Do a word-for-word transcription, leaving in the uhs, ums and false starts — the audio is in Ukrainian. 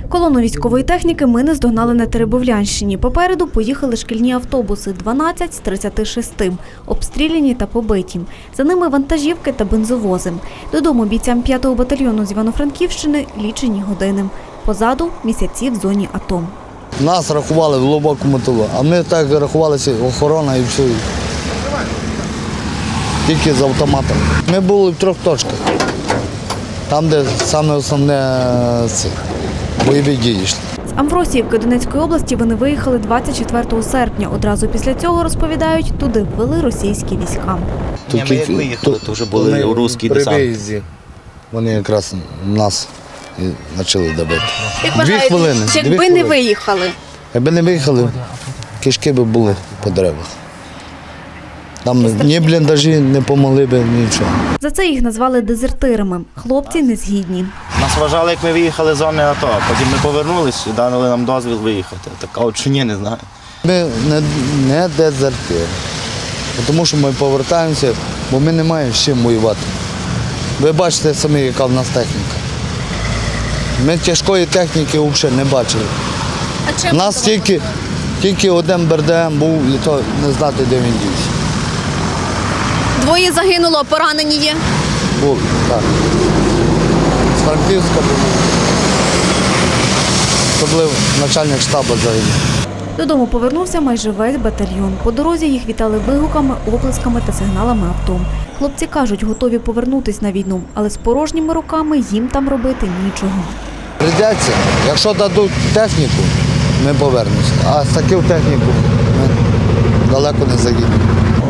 Колону військової техніки ми не здогнали на Теребовлянщині. Попереду поїхали шкільні автобуси – дванадцять з тридцяти шести, обстріляні та побиті. За ними вантажівки та бензовози. Додому бійцям п'ятого батальйону з Івано-Франківщини лічені години. Позаду – місяці в зоні АТО. Нас рахували в глибокому тилу, а ми так рахувалися охорона і все. Тільки з автоматом. Ми були в трьох точках. Там, де саме основне це, бойові дії йшли. З Амвросіївки Донецької області вони виїхали двадцять четвертого серпня. Одразу після цього, розповідають, туди ввели російські війська. Ні, ми як виїхали, то вже були у русській десант. При виїзді вони якраз нас і почали добити. Як Дві вважаєте, хвилини. якби дві не хвилини. виїхали? Якби не виїхали, кишки б були по деревах. Там ні бліндажі не допомогли б, нічого. За це їх назвали дезертирами. Хлопці не згідні. Нас вважали, як ми виїхали з зони АТО. Потім ми повернулись і дали нам дозвіл виїхати. Так, а от чи ні, не знаю. Ми не, не дезертири, тому що ми повертаємося, бо ми не маємо з чим воювати. Ви бачите самі, яка в нас техніка. Ми тяжкої техніки взагалі не бачили. А чим У нас тільки, тільки один БРДМ був, і то не знати, де він дівся. Двоє загинуло, поранені є? Був, так. З Франківська був. Особливо начальник штабу загинув. Додому повернувся майже весь батальйон. По дорозі їх вітали вигуками, оплесками та сигналами авто. Хлопці кажуть, готові повернутись на війну, але з порожніми руками їм там робити нічого. Прийдеться, якщо дадуть техніку, ми повернемося. А з таку техніку ми далеко не заїдемо.